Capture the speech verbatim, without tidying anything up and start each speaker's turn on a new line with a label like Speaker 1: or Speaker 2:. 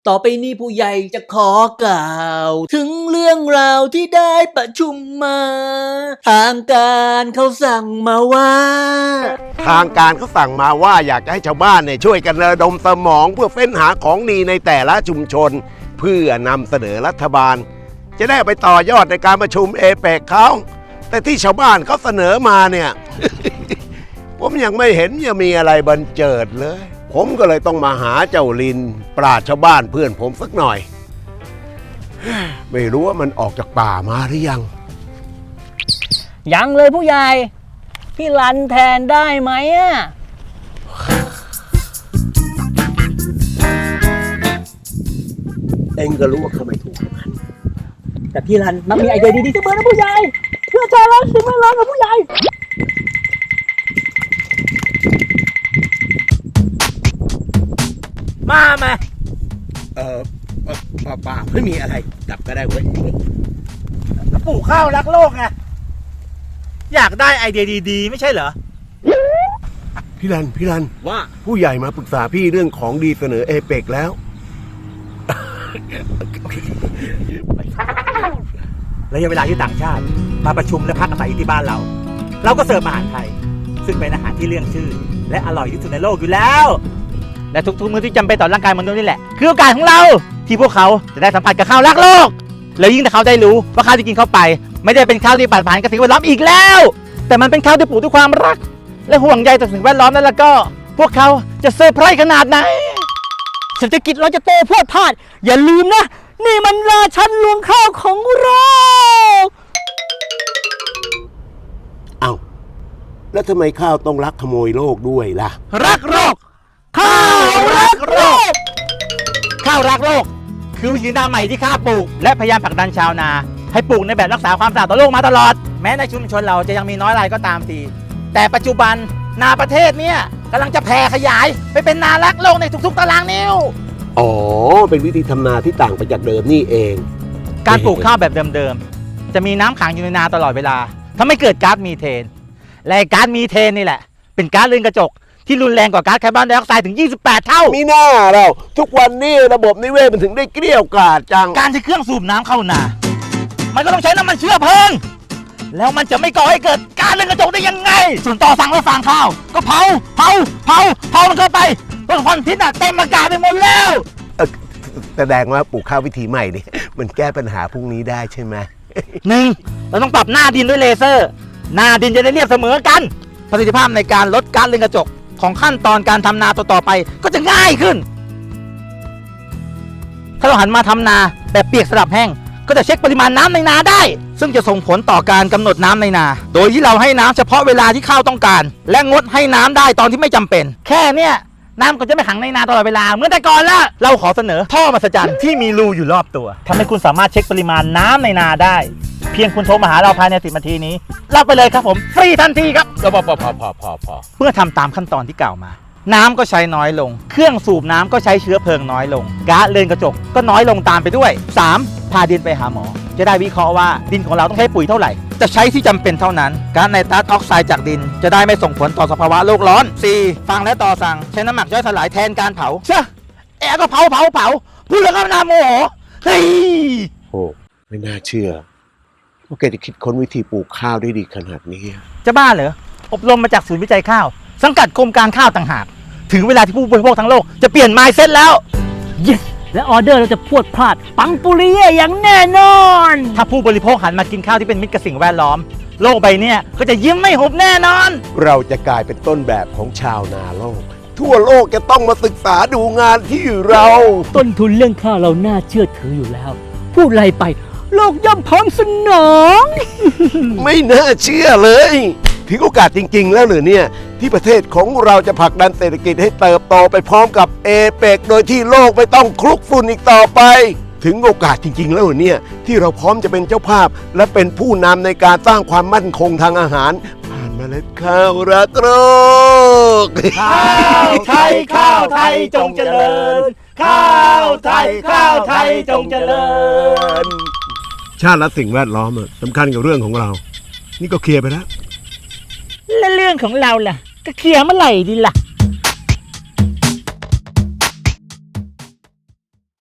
Speaker 1: ต่อไปนี้ผู้ใหญ่จะขอกล่าวถึงเรื่องราวที่ได้ประชุมมาทางการเขาสั่งมาว่า
Speaker 2: ทางการเขาสั่งมาว่าอยากจะให้ชาวบ้านเนี่ยช่วยกันระดมสมองเพื่อเฟ้นหาของดีในแต่ละชุมชนเพื่อนำเสนอรัฐบาลจะได้ไปต่อยอดในการประชุมเอเปกเขาแต่ที่ชาวบ้านเขาเสนอมาเนี่ย ผมยังไม่เห็นจะมีอะไรบันเจิดเลยผมก็เลยต้องมาหาเจ้าลินปราชญ์ชาวบ้านเพื่อนผมสักหน่อย ไม่รู้ว่ามันออกจากป่ามาหรือยัง
Speaker 1: ยังเลยผู้ใหญ่พี่รันแทนได้ไหมอ่ะ
Speaker 2: เองก็รู้ว่าเขาไม่ถูกกัน
Speaker 1: แต่พี่รันมักมีไอเดียดีๆเสมอนะผู้ใหญ่เพื่อใจรักสิ่งแวดล้อมกับผู้ใหญ่มามา
Speaker 2: เออป่าป่าไม่มีอะไรกลับก็ได้เว้ย
Speaker 3: ปลูกข้าวรักโลกไงอยากได้ไอเดียดีๆไม่ใช่เหรอ
Speaker 2: พี่รันพี่รัน
Speaker 1: ว่า
Speaker 2: ผู้ใหญ่มาปรึกษาพี่เรื่องของดีเสนอเอเปกแล้ว
Speaker 3: ระยะเวลาที่ต่างชาติมาประชุมและพักอาศัยที่บ้านเราเราก็เสิร์ฟอาหารไทยซึ่งเป็นอาหารที่เรื่องชื่อและอร่อยที่สุดในโลกอยู่แล้วและทุกๆมื้อที่จำเป็นต่อร่างกายมนุษย์นี่แหละคือโอกาสของเราที่พวกเขาจะได้สัมผัสกับข้าวรักโลกแล้วยิ่งถ้าเขาได้รู้ว่าข้าวที่กินเข้าไปไม่ได้เป็นข้าวที่ปราศจากสิ่งแวดล้อมอีกแล้วแต่มันเป็นข้าวที่ปลูกด้วยความรักและห่วงใยต่อสิ่งแวดล้อมนั่นแล้วก็พวกเขาจะเซอร์ไพรส์ขนาดไหน
Speaker 1: เศรษฐกิจเราจะโตพรวดพลาดอย่าลืมนะนี่มันราชันรวงข้าวของเรา
Speaker 2: เอ้าแล้วทำไมข้าวต้องรักขโมยโลกด้วยล่ะ
Speaker 3: รักโลกข้าวรักโลกข้าวรักโลกคือวิธีการใหม่ที่ข้าปลูกและพยายามผลักดันชาวนาให้ปลูกในแบบรักษาความสะอาดต่อโลกมาตลอดแม้ในชุมชนเราจะยังมีน้อยรายก็ตามทีแต่ปัจจุบันนาประเทศเนี่ยกำลังจะแผ่ขยายไปเป็นนารักโลกในทุกๆตารางนิ้ว
Speaker 2: อ๋อเป็นวิธีทำนาที่ต่างไปจากเดิมนี่เอง
Speaker 3: การปลูกข้าวแบบเดิมๆจะมีน้ำขังอยู่ในนาตลอดเวลาทำให้เกิดก๊าซมีเทนและก๊าซมีเทนนี่แหละเป็นก๊าซเรือนกระจกที่รุนแรงกว่าก๊าซคาร์บอนไดออกไซด์ถึงยี่สิบแปดเท่า
Speaker 2: มีหน้าเราทุกวันนี้ระบบนิเวศมันถึงได้เกลี้ยกล่อมจัง
Speaker 3: การใช้เครื่องสูบน้ำเข้านามันก็ต้องใช้น้ำมันเชื้อเพลิงแล้วมันจะไม่ก่อให้เกิดก๊าซเรือนกระจกได้ยังไงส่วนต่อสั่งและฟางข้าวก็เผาเผาเผาเผามันเข้าไปต้นควันพิษเต็มอากาศไปหมดแล้ว
Speaker 2: แสดงว่าปลูกข้าววิธีใหม่นี่มันแก้ปัญหาพวกนี้ได้ใช่ไหม
Speaker 3: หนึ่งเราต้องปรับหน้าดินด้วยเลเซอร์หน้าดินจะได้เรียบเสมอกันประสิทธิภาพในการลดก๊าซเรือนกระจกของขั้นตอนการทำนาต่อๆไปก็จะง่ายขึ้นถ้าเราหันมาทำนาแบบเปียกสลับแห้งก็จะเช็คปริมาณน้ำในนาได้ซึ่งจะส่งผลต่อการกำหนดน้ำในนาโดยที่เราให้น้ำเฉพาะเวลาที่ข้าวต้องการและงดให้น้ำได้ตอนที่ไม่จำเป็นแค่เนี้ยน้ำก็จะไม่ขังในนาตลอดเวลาเหมือนแต่ก่อนละเราขอเสนอท่อมหัศจรรย์ที่มีรูอยู่รอบตัวทำให้คุณสามารถเช็คปริมาณน้ำในนาได้เพียงคุณโทรมาหาเราภายในสิบนาทีนี้รับไปเลยครับผมฟรีทันทีครับพอพอพอพอพอพอเมื่อทำตามขั้นตอนที่กล่าวมาน้ำก็ใช้น้อยลงเครื่องสูบน้ำก็ใช้เชื้อเพลิงน้อยลงก๊าซเรือนกระจกก็น้อยลงตามไปด้วยสามพาดินไปหาหมอจะได้วิเคราะห์ว่าดินของเราต้องใช้ปุ๋ยเท่าไหร่จะใช้ที่จำเป็นเท่านั้นก๊าซไนตรัสออกไซด์จากดินจะได้ไม่ส่งผลต่อสภาวะโลกร้อนสี่ฟังและต่อสั่งใช้น้ำหมักย่อยสลายแทนการเผาเช่แอร์ก็เผาเผาเผาพูดแล้วก็น่าโมโหเฮ้ย
Speaker 2: โอ้ไม่น่าเชื่อว่าแกจะคิดค้นวิธีปลูกข้าวได้ดีขนาดนี้
Speaker 3: จะบ้าเหรออบรมมาจากศูนย์วิจัยข้าวสังกัดกรมการข้าวต่างหากถึงเวลาที่ผู้บริโภคทั้งโลกจะเปลี่ยน mindset แล้ว
Speaker 1: yes และออเดอร์เราจะพรวดพลาดปังปุริเย่อย่างแน่นอน
Speaker 3: ถ้าผู้บริโภคหันมากินข้าวที่เป็นมิตรกับสิ่งแวดล้อมโลกใบนี้ก็จะยิ้มไม่หุบแน่นอน
Speaker 2: เราจะกลายเป็นต้นแบบของชาวนาโลกทั่วโลกจะต้องมาศึกษาดูงานที่เรา
Speaker 1: ต้นทุนเรื่องข้าวเราน่าเชื่อถืออยู่แล้วพูดไรไปโลกย่อมพร้อมสนอง
Speaker 2: ไม่น่าเชื่อเลยถึงโอกาสจริงๆแล้วหรือเนี่ยที่ประเทศของเราจะผลักดันเศรษฐกิจให้เติบโตไปพร้อมกับเอเปกโดยที่โลกไม่ต้องคลุกฝุ่นอีกต่อไปถึงโอกาสจริงๆแล้วหรือเนี่ยที่เราพร้อมจะเป็นเจ้าภาพและเป็นผู้นำในการสร้างความมั่นคงทางอาหารผ่านเมล็ดข้าวรักโลก
Speaker 3: ข้าวไทยข้าวไทยจงเจริญข้าวไทยข้าวไทยจงเจริญ
Speaker 2: ชาติและสิ่งแวดล้อมสำคัญกับเรื่องของเรานี่ก็เคลียร์ไปแล้ว
Speaker 1: และเรื่องของเราล่ะก็เคลียร์เมื่อไหร่ดีล่ะ